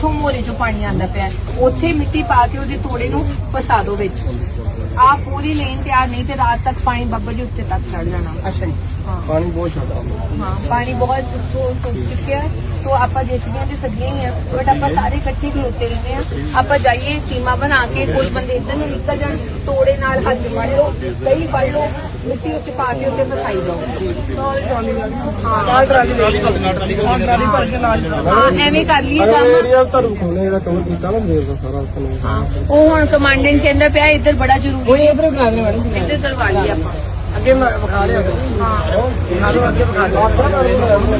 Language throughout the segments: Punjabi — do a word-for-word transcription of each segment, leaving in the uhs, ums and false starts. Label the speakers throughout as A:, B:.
A: ਜਿੱਥੋਂ ਮੋਰੇ ਚੋਂ ਪਾਣੀ ਆਂਦਾ ਪਿਆ ਉੱਥੇ ਮਿੱਟੀ ਪਾ ਕੇ ਉਹਦੇ ਤੋੜੇ ਨੂੰ ਫਸਾ ਦੋ ਵਿੱਚ। ਆ ਪੂਰੀ ਲੇਨ ਤਿਆਰ ਨਹੀਂ ਤੇ ਰਾਤ ਤੱਕ ਪਾਣੀ ਬੱਬਰ ਦੇ ਉੱਤੇ ਤੱਕ ਚੜ ਜਾਣਾ।
B: ਅੱਛਾ ਜੀ,
A: ਹਾਂ
B: ਪਾਣੀ ਬਹੁਤ ਜ਼ਿਆਦਾ
A: ਹਾਂ ਪਾਣੀ ਬਹੁਤ ਸੁੱਕ ਚੁੱਕਿਆ ਹੈ। तो आप जेसीबी से सदियां ही है बट आप सारे इकट्ठे खलोते रहते हैं। आप जाइए सीमा बना के कुछ बंदे इधर ਨੂੰ ਨਿਕਲ ਜਾਣ ਤੋੜੇ ਨਾਲ ਹੱਥ ਫੜ ਲਓ ਕਈ ਫੜ ਲਓ ਮਿੱਟੀ ਉੱਚ ਪਾ ਕੇ ਉੱਤੇ ਫਸਾਈ ਜਾਓ।
B: ਨਾਲ ਟਰਾਲੀ ਨਾਲ ਟਰਾਲੀ ਟਰਾਲੀ ਭਰ ਕੇ ਨਾਲ
A: ਹਾਂ ਐਵੇਂ ਕਰ ਲਈਏ ਕੰਮ।
B: ਏਰੀਆ ਧਰਮ ਖੋਲੇ ਦਾ ਕਵਰ ਕੀਤਾ ਨਾ ਦੇਰ ਦਾ ਸਾਰਾ ਉਸ
A: ਹਾਂ ਉਹ ਹੁਣ ਕਮਾਂਡੈਂਟ ਕਹਿੰਦਾ ਪਿਆ ਇੱਧਰ ਬੜਾ ਜ਼ਰੂਰੀ
B: ਹੈ। ਇੱਧਰ ਬਣਾ ਦੇਣਾ ਮੈਡਮ,
A: ਇੱਧਰ ਕਰਵਾ ਲਈਏ ਆਪਾਂ।
B: ਅੱਗੇ ਵਿਖਾ ਲਿਆ ਹਾਂ ਵਿਖਾ ਲਓ, ਅੱਗੇ ਵਿਖਾ ਦਿਓ।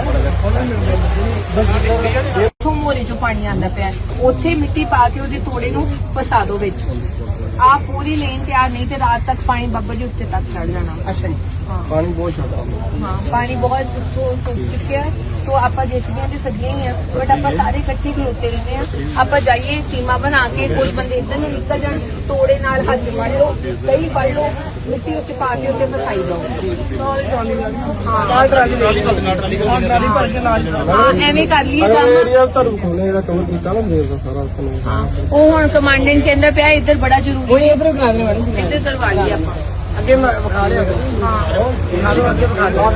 A: ਜਿੱਥੋਂ ਮੋਰੇ ਚੋਂ ਪਾਣੀ ਆਂਦਾ ਪਿਆ ਉੱਥੇ ਮਿੱਟੀ ਪਾ ਕੇ ਉਹਦੇ ਤੋੜੇ ਨੂੰ ਫਸਾ ਦੋ ਵਿੱਚ। ਆ ਪੂਰੀ ਲੇਨ ਤਿਆਰ ਨਹੀਂ ਤੇ ਰਾਤ ਤੱਕ ਪਾਣੀ ਬੱਬਰ ਦੇ ਉੱਤੇ ਤੱਕ ਚੜ ਜਾਣਾ।
B: ਅੱਛਾ ਜੀ,
A: ਹਾਂ
B: ਪਾਣੀ ਬਹੁਤ ਜ਼ਿਆਦਾ
A: ਹਾਂ ਪਾਣੀ ਬਹੁਤ ਸੁੱਕ ਚੁੱਕਿਆ ਹੈ। तो आप जेसीबी से सदियां ही है बट आप सारे इकट्ठे खलोते रहते हैं। आप जाइए सीमा बना के कुछ बंदे इधर ਨੂੰ ਨਿਕਲ ਜਾਣ ਤੋੜੇ ਨਾਲ ਹੱਥ ਫੜ ਲਓ ਕਈ ਫੜ ਲਓ ਮਿੱਟੀ ਉੱਚ ਪਾ ਕੇ ਉੱਤੇ ਫਸਾਈ ਜਾਓ।
B: ਨਾਲ ਟਰਾਲੀ ਨਾਲ ਟਰਾਲੀ ਟਰਾਲੀ ਭਰ ਕੇ ਨਾਲ
A: ਹਾਂ ਐਵੇਂ ਕਰ ਲਈਏ ਕੰਮ।
B: ਏਰੀਆ ਧਰਮ ਖੋਲੇ ਦਾ ਕਵਰ ਕੀਤਾ ਨਾ ਦੇਰ ਦਾ ਸਾਰਾ ਉਸ
A: ਹਾਂ ਉਹ ਹੁਣ ਕਮਾਂਡੈਂਟ ਕਹਿੰਦਾ ਪਿਆ ਇੱਧਰ ਬੜਾ ਜ਼ਰੂਰੀ
B: ਹੈ। ਇੱਧਰ ਬਣਾ ਦੇਣਾ ਮੈਡਮ,
A: ਇੱਧਰ ਕਰਵਾ ਲਈਏ ਆਪਾਂ।
B: ਅੱਗੇ ਵਿਖਾ ਲਿਆ ਹਾਂ ਵਿਖਾ ਲਓ, ਅੱਗੇ ਵਿਖਾ ਦਿਓ।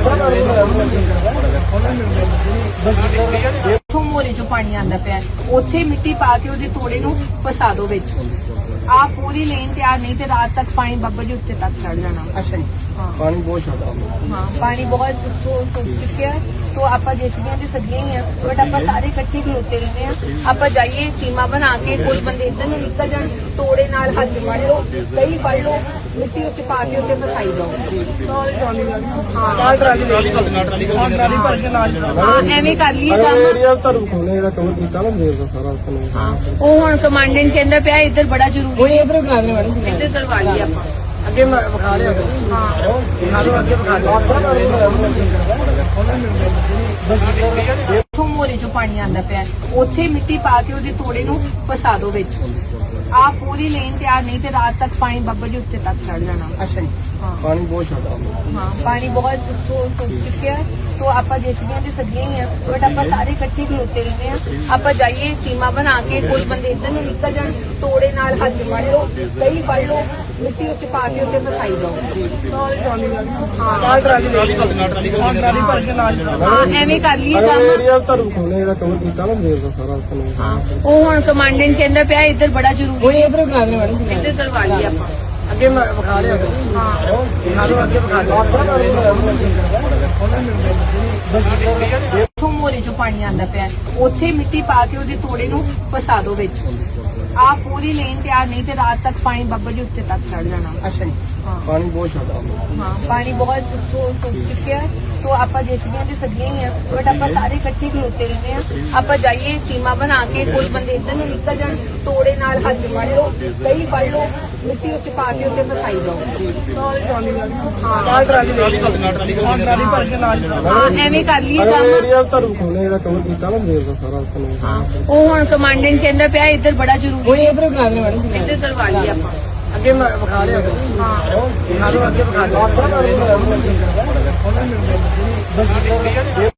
A: ਜਿੱਥੋਂ ਮੋਰੇ ਚੋਂ ਪਾਣੀ ਆਂਦਾ ਪਿਆ ਉੱਥੇ ਮਿੱਟੀ ਪਾ ਕੇ ਉਹਦੇ ਤੋੜੇ ਨੂੰ ਫਸਾ ਦੋ ਵਿੱਚ। ਆ ਪੂਰੀ ਲੇਨ ਤਿਆਰ ਨਹੀਂ ਤੇ ਰਾਤ ਤੱਕ ਪਾਣੀ ਬੱਬਰ ਦੇ ਉੱਤੇ ਤੱਕ ਚੜ ਜਾਣਾ।
B: ਅੱਛਾ ਜੀ,
A: ਹਾਂ
B: ਪਾਣੀ ਬਹੁਤ ਜ਼ਿਆਦਾ
A: ਹਾਂ ਪਾਣੀ बहुत सुख चुकिया है। तो आप जेसीबी से सदियां ही है बट आप सारे इकट्ठे खलोते रहते हैं। आप जाइए सीमा बना के कुछ बंदे इधर ਨੂੰ ਨਿਕਲ ਜਾਣ ਤੋੜੇ ਨਾਲ ਹੱਥ ਫੜ ਲਓ ਕਈ ਫੜ ਲਓ ਮਿੱਟੀ ਉੱਚ ਪਾ ਕੇ ਉੱਤੇ ਫਸਾਈ ਜਾਓ।
B: ਨਾਲ ਟਰਾਲੀ ਨਾਲ ਟਰਾਲੀ ਟਰਾਲੀ ਭਰ ਕੇ ਨਾਲ
A: ਹਾਂ ਐਵੇਂ ਕਰ ਲਈਏ ਕੰਮ।
B: ਏਰੀਆ ਧਰਮ ਖੋਲੇ ਦਾ ਕਵਰ ਕੀਤਾ ਨਾ ਦੇਰ ਦਾ ਸਾਰਾ ਉਸ
A: ਹਾਂ ਉਹ ਹੁਣ ਕਮਾਂਡੈਂਟ ਕਹਿੰਦਾ ਪਿਆ ਇੱਧਰ ਬੜਾ ਜ਼ਰੂਰੀ
B: ਹੈ। ਇੱਧਰ ਬਣਾ ਦੇਣਾ ਮੈਡਮ,
A: ਇੱਧਰ ਕਰਵਾ ਲਈਏ ਆਪਾਂ।
B: ਅੱਗੇ ਵਿਖਾ ਲਿਆ ਹਾਂ ਵਿਖਾ ਲਓ, ਅੱਗੇ ਵਿਖਾ ਦਿਓ।
A: ਜਿੱਥੋਂ ਮੋਰੇ ਚੋਂ ਪਾਣੀ ਆਂਦਾ ਪਿਆ ਉੱਥੇ ਮਿੱਟੀ ਪਾ ਕੇ ਉਹਦੇ ਤੋੜੇ ਨੂੰ ਫਸਾ ਦੋ ਵਿੱਚ। ਆ ਪੂਰੀ ਲੇਨ ਤਿਆਰ ਨਹੀਂ ਤੇ ਰਾਤ ਤੱਕ ਪਾਣੀ ਬੱਬਰ ਦੇ ਉੱਤੇ ਤੱਕ ਚੜ ਜਾਣਾ।
B: ਅੱਛਾ ਜੀ,
A: ਹਾਂ
B: ਪਾਣੀ ਬਹੁਤ ਜ਼ਿਆਦਾ
A: ਹਾਂ ਪਾਣੀ बहुत सुख चुकिया है। तो आप जेसीबी से सदियां ही है बट आप सारे इकट्ठे खलोते रहते हैं। आप जाइए सीमा बना के कुछ बंदे इधर ਨੂੰ ਨਿਕਲ ਜਾਣ ਤੋੜੇ ਨਾਲ ਹੱਥ ਫੜ ਲਓ ਕਈ ਫੜ ਲਓ ਮਿੱਟੀ ਉੱਚ ਪਾ ਕੇ ਉੱਤੇ ਫਸਾਈ ਜਾਓ।
B: ਨਾਲ ਟਰਾਲੀ ਨਾਲ ਟਰਾਲੀ ਟਰਾਲੀ ਭਰ ਕੇ ਨਾਲ
A: ਹਾਂ ਐਵੇਂ ਕਰ ਲਈਏ ਕੰਮ।
B: ਏਰੀਆ ਧਰਮ ਖੋਲੇ ਦਾ ਕਵਰ ਕੀਤਾ ਨਾ ਦੇਰ ਦਾ ਸਾਰਾ ਉਸ
A: ਹਾਂ ਉਹ ਹੁਣ ਕਮਾਂਡੈਂਟ ਕਹਿੰਦਾ ਪਿਆ ਇੱਧਰ ਬੜਾ ਜ਼ਰੂਰੀ
B: ਹੈ। ਇੱਧਰ ਬਣਾ ਦੇਣਾ ਮੈਡਮ,
A: ਇੱਧਰ ਕਰਵਾ ਲਈਏ ਆਪਾਂ।
B: ਅੱਗੇ ਵਿਖਾ ਲਿਆ ਹਾਂ ਵਿਖਾ ਲਓ, ਅੱਗੇ ਵਿਖਾ ਦਿਓ।
A: ਜਿੱਥੋਂ ਮੋਰੇ ਚੋਂ ਪਾਣੀ ਆਂਦਾ ਪਿਆ ਉੱਥੇ ਮਿੱਟੀ ਪਾ ਕੇ ਉਹਦੇ ਤੋੜੇ ਨੂੰ ਫਸਾ ਦੋ ਵਿੱਚ। ਆ ਪੂਰੀ ਲੇਨ ਤਿਆਰ ਨਹੀਂ ਤੇ ਰਾਤ ਤੱਕ ਪਾਣੀ ਬੱਬਰ ਦੇ ਉੱਤੇ ਤੱਕ ਚੜ ਜਾਣਾ।
B: ਅੱਛਾ ਜੀ,
A: ਹਾਂ
B: ਪਾਣੀ ਬਹੁਤ ਜ਼ਿਆਦਾ
A: ਹਾਂ ਪਾਣੀ बहुत सुख चुकिया है। तो आप जेसीबी से सदियां ही है बट आप सारे इकट्ठे खलोते रहते हैं। आप जाइए सीमा बना के कुछ बंदे इधर ਨੂੰ ਨਿਕਲ ਜਾਣ ਤੋੜੇ ਨਾਲ ਹੱਥ ਫੜ ਲਓ ਕਈ ਫੜ ਲਓ ਮਿੱਟੀ ਉੱਚ ਪਾ ਕੇ ਉੱਤੇ ਫਸਾਈ ਜਾਓ।
B: ਨਾਲ ਟਰਾਲੀ ਨਾਲ ਟਰਾਲੀ ਟਰਾਲੀ ਭਰ ਕੇ ਨਾਲ
A: ਹਾਂ ਐਵੇਂ ਕਰ ਲਈਏ ਕੰਮ।
B: ਏਰੀਆ ਧਰਮ ਖੋਲੇ ਦਾ ਕਵਰ ਕੀਤਾ ਨਾ ਦੇਰ ਦਾ ਸਾਰਾ ਉਸ
A: ਹਾਂ ਉਹ ਹੁਣ ਕਮਾਂਡੈਂਟ ਕਹਿੰਦਾ ਪਿਆ ਇੱਧਰ ਬੜਾ ਜ਼ਰੂਰੀ
B: ਹੈ। ਇੱਧਰ ਬਣਾ ਦੇਣਾ ਮੈਡਮ,
A: ਇੱਧਰ ਕਰਵਾ ਲਈਏ ਆਪਾਂ।
B: ਅੱਗੇ ਵਿਖਾ ਲਿਆ ਹਾਂ ਵਿਖਾ ਲਓ, ਅੱਗੇ ਵਿਖਾ ਦਿਓ।